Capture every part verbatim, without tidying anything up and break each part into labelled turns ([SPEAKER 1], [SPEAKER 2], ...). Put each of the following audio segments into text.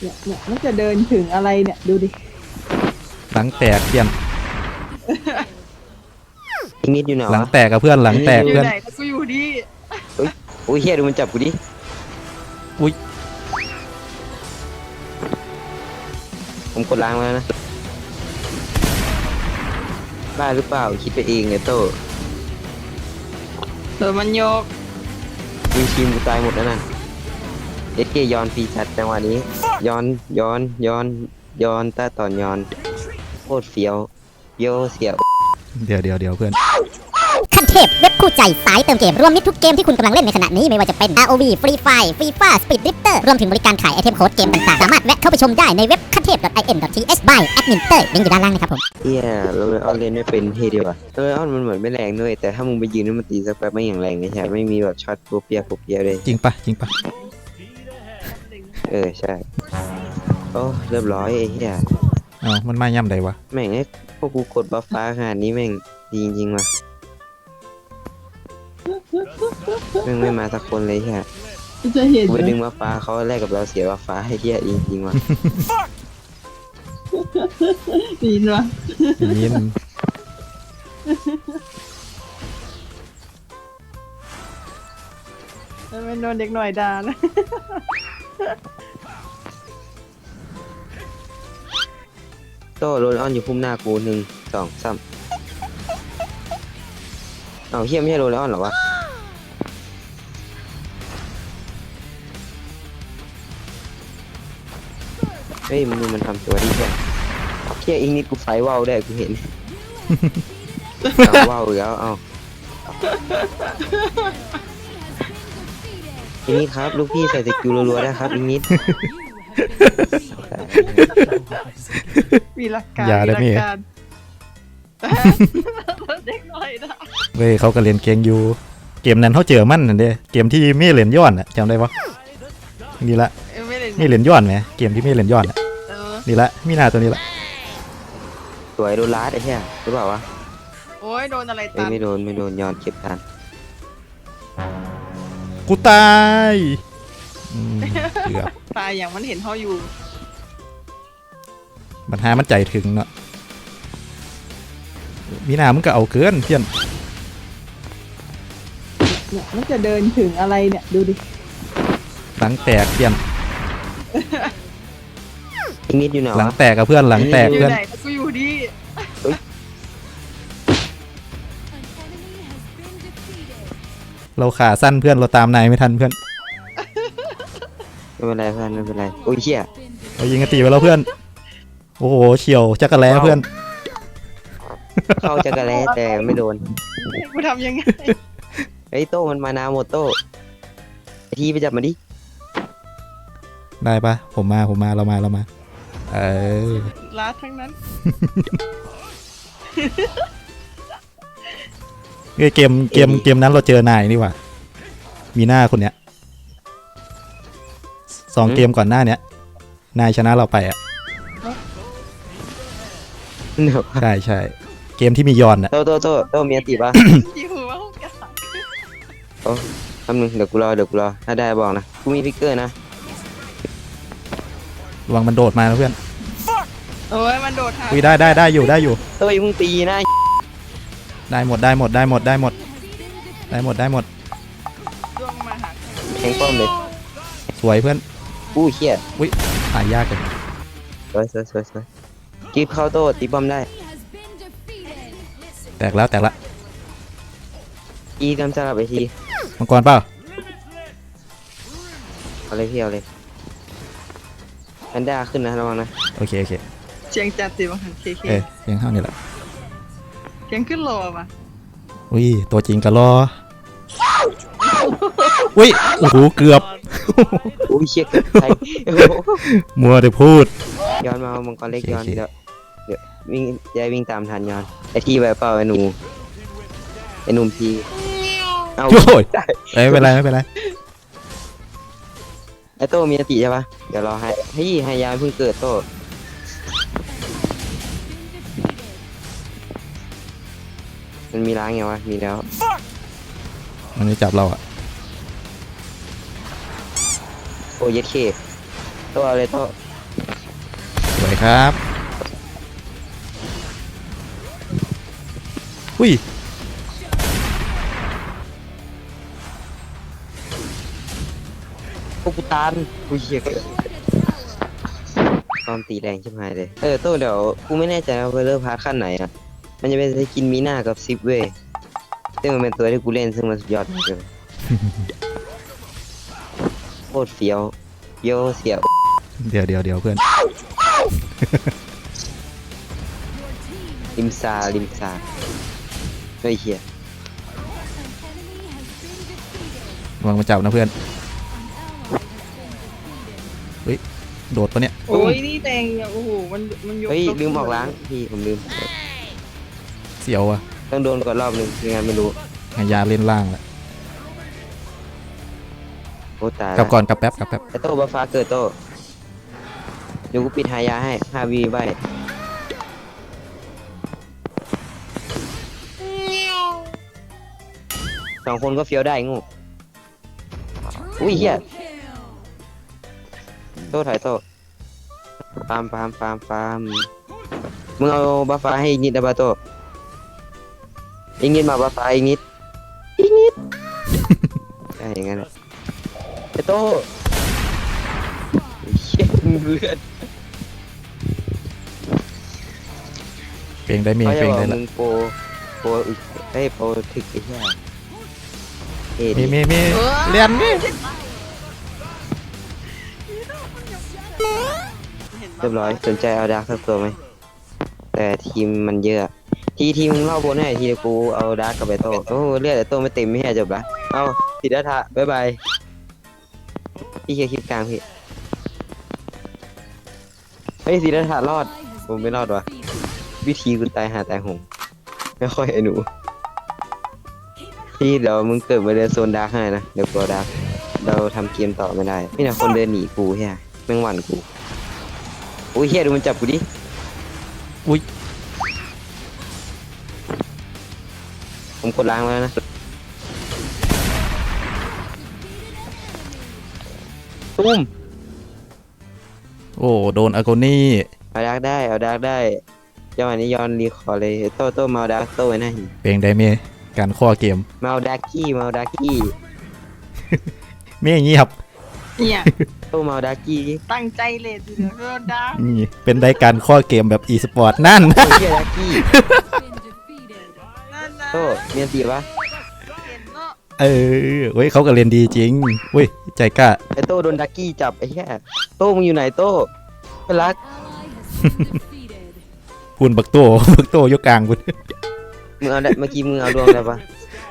[SPEAKER 1] เนี่ยเนี่ยมันจะเดินถึงอะไรเนี่ยดูดิ
[SPEAKER 2] หลังแตกเพื่อน
[SPEAKER 3] อีกนิดอยู่ไหนวะ
[SPEAKER 2] หลังแตกกับเพื่อนหลังแตก
[SPEAKER 1] อยู่
[SPEAKER 2] เพื่อน
[SPEAKER 1] ไหนกูอยู่ดิ
[SPEAKER 3] โอ้ยเฮียดูมันจับกูดิ
[SPEAKER 2] อุ้ย
[SPEAKER 3] ผมกดล้างแล้วนะบ้าหรือเปล่าคิดไปเองเนี่ยโต
[SPEAKER 1] เออมันโยก
[SPEAKER 3] วิทีมกูตายหมดแล้วนะเอสเกย้อนฟรีจัดจังหวะนี้ย้อนย้อนย้อนย้อนตาตอนย้อนโคตรเฟี้ยวโยเสียว
[SPEAKER 2] เดี๋ยวเดี๋ยวเดี๋ยวเพื่อน
[SPEAKER 4] ขั้นเทพเว็บคู่ใจสายเติมเกมรวมมิตรทุกเกมที่คุณกำลังเล่นในขณะนี้ไม่ว่าจะเป็น อาร์ โอ วี Free Fire FIFA Speed Drifter รวมถึงบริการขายไอเทมโค้ดเกมต่างๆสามารถแวะเข้าไปชมได้ในเว็บขั้นเทพ .in.th by แอดมินเตอร์ลิงก์อยู่ด้านล่างนะครับผม
[SPEAKER 3] เฮียโรเลออนเล่นไม่เป็นเฮดีว่ะโรเลออนมันเหมือนไม่แรงด้วยแต่ถ้ามึงไปยืนแล้วมันตีสักแป๊บไม่อย่างแรงเลยใช่ไม่มีแบบช็อตโปเปียโปเปียเลย
[SPEAKER 2] จริงปะจริงปะ
[SPEAKER 3] เออใช่โอ้เรียบร้อยไอ้เฮีย
[SPEAKER 2] อ๋อมันมาย่ำใดวะ
[SPEAKER 3] แม่งไอ้พวกกูกดบัฟฟ้าขนาดนี้แม่งดีจริงๆว่ะแม่งไม่มาสักคนเลยใช่
[SPEAKER 1] จะเห็น
[SPEAKER 3] กูไป
[SPEAKER 1] ไหม
[SPEAKER 3] ดึงบัฟฟ้าเขาแลกกับเราเสียบัฟฟ้าให้เฮียจริงๆว่ะ
[SPEAKER 1] ดีนวะ
[SPEAKER 2] ยิน
[SPEAKER 1] แล้วมันโดนเด็กหน่อยด่านะ
[SPEAKER 3] โตโรลออนอยู่พุ่มหน้ากูหนึ่งสองสามเอาเฮียไม่ใช่โรลออนเหรอวะเฮ้ยมึงดูมันทำตัวดิแค่เฮียอีกนิดกูไฟว่าวได้กูเห็น เอาว่าวอีกแล้วเอาอีกนิดครับลูกพี่ใส่สกิลรัวๆได้ครับอีกนิด
[SPEAKER 1] มีหลักการ
[SPEAKER 2] อย่าได้
[SPEAKER 1] มี
[SPEAKER 2] มี
[SPEAKER 1] หลักการเด็กหน่อยด่า
[SPEAKER 2] เว้ยเขาก็เล่นเกมอยู่เกมนั้นเขาเจอมันนั่นเด้เกมที่ไม่เล่นย้อนอ่ะจำได้ปะนี่ละ
[SPEAKER 1] เอ้ยไม่ได้
[SPEAKER 2] ไม่เล่นย้อนไหมเกมที่ไม่เล่นย้อนอ่ะ
[SPEAKER 1] เออ
[SPEAKER 2] นี่ละมีหน้าตัวนี้ละ
[SPEAKER 3] สวยโดนลาดไอ้เหี้ยหรือเปล่าวะ
[SPEAKER 1] โอ้ยโดนอะไร
[SPEAKER 3] เอ้
[SPEAKER 1] ตั
[SPEAKER 3] ย
[SPEAKER 1] น
[SPEAKER 3] ไม่โดนไม่โดนย้อนเก็บทัน
[SPEAKER 2] กูตายอืมเกือบ
[SPEAKER 1] ตายอย่างมันเห็นเขาอยู่
[SPEAKER 2] ปัญหามันใจถึงเนาะมีหน้ามึงก็เอาเกินเพื่อน
[SPEAKER 1] เนี่ยมันจะเดินถึงอะไรเนี่ยดูดิ
[SPEAKER 2] หลังแตกเพื่อน
[SPEAKER 3] อีกนิดอยู่ไหน
[SPEAKER 2] หลัง
[SPEAKER 3] วะ
[SPEAKER 2] แตกกับเพื่อนหลังแตก
[SPEAKER 1] อยู่
[SPEAKER 2] เพื่อน
[SPEAKER 1] ไหนกูอยู่ดิ
[SPEAKER 2] เราขาสั้นเพื่อนเราตามนายไม่ทันเพื่อน
[SPEAKER 3] ไม่เป็นไรเพื่อนไม่เป็นไรโอ้ยเหี้ย
[SPEAKER 2] เรายิงกระตีไปแล้วเพื่อนโอ้โหเฉียวจักรแล้เพื่อน
[SPEAKER 3] เข้าจักรแล้แต่ไม่โดน
[SPEAKER 1] ให้กูทำยังไง
[SPEAKER 3] เฮ้ยโต้มันมานาหมดโต้ไอทีไปจับมาดิ
[SPEAKER 2] ได้ปะผมมาผมมาเรามาเรามาเออ
[SPEAKER 1] ลาดทั้งนั้น
[SPEAKER 2] เอ้ยเกมเกมเกมนั้นเราเจอนายนี่หว่ามีหน้าคนเนี้ยสองเกมก่อนหน้าเนี้ยนายชนะเราไปอ่ะ
[SPEAKER 3] เดี๋ยว
[SPEAKER 2] ใช่ใช่เกมที่มียอนอ่ะ
[SPEAKER 3] โต้โต้โต้โต้มีอติปะ
[SPEAKER 1] อยู่ว่าห้องกา
[SPEAKER 3] โอ้ทำหนึ่งเดี๋ยวกูรอเดี๋ยวกูรอถ้าได้บอกนะกูมีพิกเกอร์นะ
[SPEAKER 2] ระวังมันโดดมานะเพื่อน
[SPEAKER 1] โอ้ยมันโดดหา
[SPEAKER 2] อุ้ยได้ได้ได้อยู่ได้อยู่
[SPEAKER 3] โต้ยมึงตีนะ
[SPEAKER 2] ได้หมดได้หมดได้หมดได้หมดได้หมดได้หมด
[SPEAKER 1] ดวงมาหา
[SPEAKER 3] แทงป้อมเลย
[SPEAKER 2] สวยเพื่อน
[SPEAKER 3] อู้เหี้ย
[SPEAKER 2] อุ้ยตายยากเลย
[SPEAKER 3] สวยสวยสวยสวยกีบเข้าโต้ตีป้อมได้
[SPEAKER 2] แตกแล้วแตกละ
[SPEAKER 3] กีกำจัดไปที
[SPEAKER 2] มังกรเปล่า
[SPEAKER 3] เอาเลยพี่เอาเลยแพนด้าขึ้นนะระวังนะ
[SPEAKER 2] โอเคโอเค
[SPEAKER 1] เชียงจัดสิบังหันเคเค
[SPEAKER 2] เอ้ยยังเท่านี้แหละ
[SPEAKER 1] เชียงขึ้นโลมา
[SPEAKER 2] อุ้ยตัวจริงก็รออุ้ยโอ้โหเกือบ
[SPEAKER 3] อู้เชี่ยเกิดใคร
[SPEAKER 2] มัวแต่พูด
[SPEAKER 3] ย้อนมาเอามังกรเล็ก
[SPEAKER 2] โอเค
[SPEAKER 3] ย้อน
[SPEAKER 2] โอเค
[SPEAKER 3] เดี๋ยวเดี๋ยววิ่งยายวิ่งตามทันย้อนไอที่แบบเปล่าไอหนูไอหนุ่มพีเอา
[SPEAKER 2] โอ้ย
[SPEAKER 3] ได้
[SPEAKER 2] เอ้ยไม่เป็นไรไม่เป็นไร
[SPEAKER 3] ไอโต้มีอติใช่ปะเดี๋ยวรอให้เฮ้ยให้ยายเพิ่งเกิดโต้มันมีล้างไงวะมีแล้ว
[SPEAKER 2] มันจะจับเราอ่ะ
[SPEAKER 3] โอ้ยเย็ดเคโต้เอาเลยโต้
[SPEAKER 2] สวยครับอุ้ย
[SPEAKER 3] พวกกูตานกูเหี้ยตอนตีแรงชิบหายเลยเออโต้เดี๋ยวกูไม่แน่ใจว่าเวลเลอร์พาร์ทขั้นไหนอ่ะมันจะเป็นสกินมีหน้ากับซิปเว้ยซึ่งมันเป็นตัวที่กูเล่นซึ่งมันสุดยอดมากเลย โคตรเฟี้ยวเฟี้ยวเสียว
[SPEAKER 2] เดี๋ยวเดี๋ยวเดี๋ยวเพื่อน
[SPEAKER 3] ริมซาริมซาเฮ้ยเฮีย
[SPEAKER 2] วางมาจับนะเพื่อนเฮ้ยโดดปะเนี่ย
[SPEAKER 1] โอ้ยนี่แดงเนี่ยโอ้โหมันมันยก
[SPEAKER 3] เฮ้ย
[SPEAKER 1] ยก
[SPEAKER 3] ลืมออกล้างพี่ผมลืม
[SPEAKER 2] เสียวอะ
[SPEAKER 3] ต้องโดนก่อนรอบหนึ่งไม่งั้นไม่รู้
[SPEAKER 2] หายาเล่นล่างแหละ
[SPEAKER 3] โอ้ตาย
[SPEAKER 2] กลับ
[SPEAKER 3] ละ
[SPEAKER 2] ก่อนกลับแป๊บกลับแป๊บ
[SPEAKER 3] ไอโต้บัฟฟ้าเกิดโต้เดี๋ยวกูปิดหายาให้ห้าวีไว้สองคนก็เฟี้ยวได้งูอุ้ยเฮียโต้ถอยโต้ฟาร์มฟาร์มฟาร์มฟาร์มมึงเอาบัฟฟ้าให้อีกนิดนะบาโต้อีกนิดมาบัฟฟ้าอีกนิดอีกนิด ใช่อย่างนั้นแหละไอโต้เชี่ยมึงเลือด
[SPEAKER 2] เพลงได้เมีย
[SPEAKER 3] เขา
[SPEAKER 2] เพ
[SPEAKER 3] จะ
[SPEAKER 2] ลง
[SPEAKER 3] บอก
[SPEAKER 2] ได้ละ
[SPEAKER 3] มึงโปรโปรอึกไอ้ยโปรถึกไอ้เหี้ยเอ็ด
[SPEAKER 2] มีมีมีเรียนมี
[SPEAKER 3] เรียบร้อยสนใจเอาดาร์กสักตัวไหมแต่ทีมมันเยอะ ทีทีมมึงเล่าบนให้ทีเดียวกูเอาดาร์กกับไอโต้โอ้เลือดไอโต้ไม่เต็มไม่ใช่จบละเอาติดดาทะบ๊ายบายพี่เคลียร์คลิปกลางพี่เฮ้ยสีดาทะรอดผมไม่รอดวะวิธีกูตายหาตายหงไม่ค่อยไอ้หนูพี่เดี๋ยวมึงเกิดมาเดินโซนดาร์กให้นะเดี๋ยวกลัวดาร์กเราทำเกมต่อไม่ได้นี่นะคนเดินหนีกูเฮียแม่งหวั่นกูโอ้ยเฮียดูมันจับกูดิ
[SPEAKER 2] อุ้ย
[SPEAKER 3] ผมกดล้างแล้วนะตุ้ม
[SPEAKER 2] โอ้โดนอาโกนี่
[SPEAKER 3] เอาดาร์กได้เอาดาร์กได้จังหวะนี้ย้อนรีคอร์เลยโต้โต้มาเอาดาร์กโต้ไว้หน้าหิน
[SPEAKER 2] เพลงได้เมียการข้อเกม
[SPEAKER 3] มาเอาดาร์กี้มาเอาดาร์กี้
[SPEAKER 2] เมียเงียบ
[SPEAKER 1] เนี่ย
[SPEAKER 3] โต้มาเอาดาร์กี้ดิ
[SPEAKER 1] ตั้งใจเลยทีเดียวโดนด่า
[SPEAKER 2] นี่เป็นได้การข้อเกมแบบอีสปอร์ตนั่น
[SPEAKER 3] โต้เฮียดาร์กี้
[SPEAKER 1] นั่นนะ
[SPEAKER 3] โต้เมียนตีปะ
[SPEAKER 1] เห็นเนาะ
[SPEAKER 2] เออเว้ยเขาก็เรียนดีจริงเว้ยใจกล้า
[SPEAKER 3] ไอโต้โดนดาร์กี้จับไอ้เหี้ยโต้มึงอยู่ไหนโต้ไปรัก
[SPEAKER 2] พูนบักโต บักโตยกกลางคุณ
[SPEAKER 3] มึงเอาได้เมื่อกี้มึงเอาดวงได้ปะ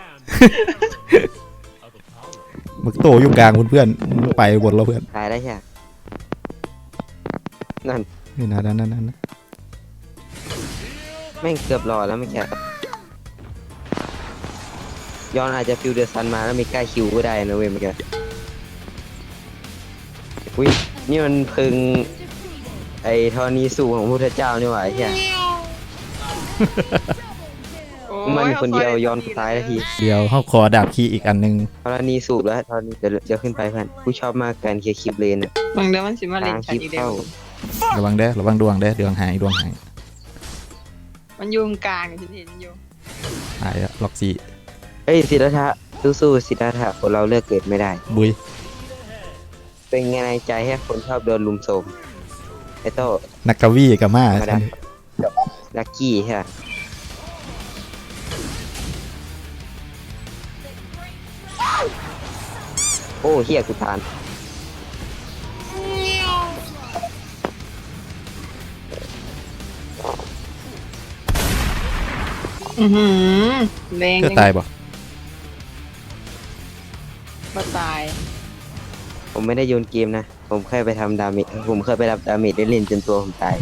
[SPEAKER 2] บักโตยกกลางคุณเพื่อนไปบนเราเพื่อน
[SPEAKER 3] ตายได้แค่นั่น
[SPEAKER 2] นี่นะนั่นนั่นนั่น
[SPEAKER 3] แม่งเกือบรอแล้วไม่แค่ย้อนอาจจะฟิวเดอร์ซันมาแล้วไม่กล้าคิวก็ได้นะเว้ยเมื่อกี้อุ้ยนี่มันพึงไอ้ธรณีสูบของพระพุทธเจ้านี่หว่าไอ้เหี้ย
[SPEAKER 1] โอ้
[SPEAKER 3] มันมีคนเดียวย้อนตายแล้วที
[SPEAKER 2] เดี๋ยวเขาขอดาบคีย์อีกอันหนึง
[SPEAKER 3] ธรณีสูบแล้วธรณีเดี๋ยวเดี๋ยวขึ้นไปเพื่อนกูชอบมากการเคลียร์คลิปเลนอะ
[SPEAKER 1] บางเดี๋ยวมันสิมาเล่
[SPEAKER 3] ทาน ง
[SPEAKER 1] กั
[SPEAKER 3] คน ลิป
[SPEAKER 1] อีกเดีย
[SPEAKER 3] เข้าว
[SPEAKER 2] ระวังเด้อระวังดวงเด้อดวงหายดวงหาย
[SPEAKER 1] มันอยู่ตรงกลางฉันเห็นอยู่
[SPEAKER 2] หายอะล็อกซี่
[SPEAKER 3] เฮ้ยสิทธัตถะสู้ๆสิทธัตถะคนเราเลือกเกิดไม่ได้
[SPEAKER 2] บุย
[SPEAKER 3] เป็นไงในใจให้คนชอบโดนลุมโสมไอ้โต้
[SPEAKER 2] นักกวีกับมา
[SPEAKER 3] มาดักลักกี้ใช่ปะโอ้เฮียกูทาน
[SPEAKER 1] อือหือแรง
[SPEAKER 2] เพื่อตายบ่
[SPEAKER 1] มาตาย
[SPEAKER 3] ผมไม่ได้โยนเกมนะ ผมเคยไปทำดาเมจผมเคยไปรับดาเมจได้เล่นจนตัวผมตาย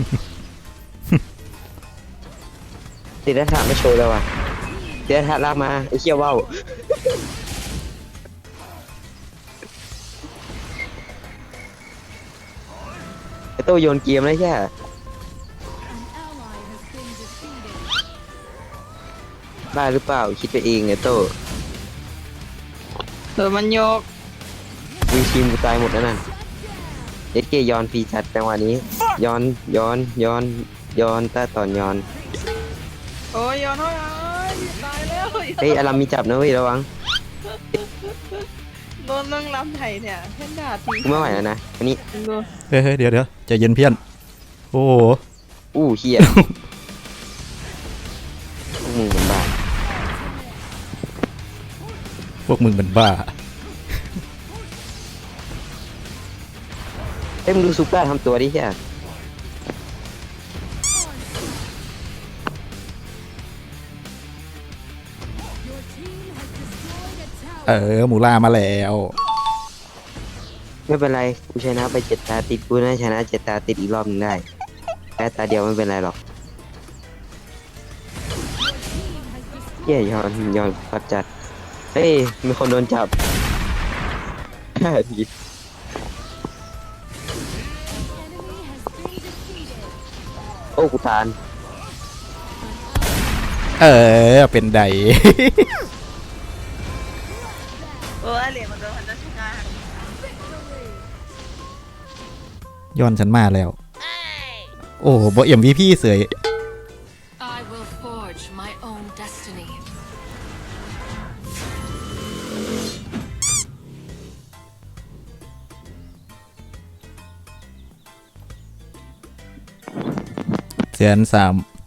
[SPEAKER 3] สิทธัตถะไม่โชว์แล้วว่ะสิทธัตถะลากมาไอ้เชี่ยว่าวไอ้โต้โยนเกมแล้วใช่บ้าหรือเปล่าคิดไปเองไอ้โต้
[SPEAKER 1] เออมันโยก
[SPEAKER 3] วิทีมกูตายหมดแล้วนั่นเอสเกยอนฟรีจัดจังหวะนี้ย้อนย้อนย้อนย้อนแต่ตอนย้อน
[SPEAKER 1] โอ้ยย้อนโอ้ยโอ้ยตายแล้ว
[SPEAKER 3] เฮ้ยอารัมมีจับนะเว้ยระวัง
[SPEAKER 1] โดนเรื่องลำไทยเนี่ยเพ่นด่าที
[SPEAKER 3] กูไม่ไหวแล้วนะอันนี้
[SPEAKER 1] ดู
[SPEAKER 2] เฮ้ยเฮ้ยเดี๋ยวเดี๋ยวใจเย็นเพี้ยนโอ้โห
[SPEAKER 3] อู้เฮียพวกมึงเป็นบ้า
[SPEAKER 2] พวกมึงเป็นบ้า
[SPEAKER 3] เฮ้ยมึงดูซุปเปอร์ทำตัวดิเฮีย
[SPEAKER 2] เออหมูล่ามาแล้ว
[SPEAKER 3] ไม่เป็นไรกูชนะไปเจ็ดตาติดกูน่าชนะเจ็ดตาติดอีกรอบหนึงได้แพ้ตาเดียวไม่เป็นไรหรอกเฮียย้อนย้อนปัดจัดเฮ้ยมีคนโดนจับ ดีโอ้กูทาน
[SPEAKER 2] เออเป็นได
[SPEAKER 1] โอ้ยเหรียญมันโดนพันธชา
[SPEAKER 2] ย้อนฉันมาแล้ว โอ้บ่เอ็มวีพี่เสย
[SPEAKER 5] I will forge my own destiny.
[SPEAKER 2] แสนสาม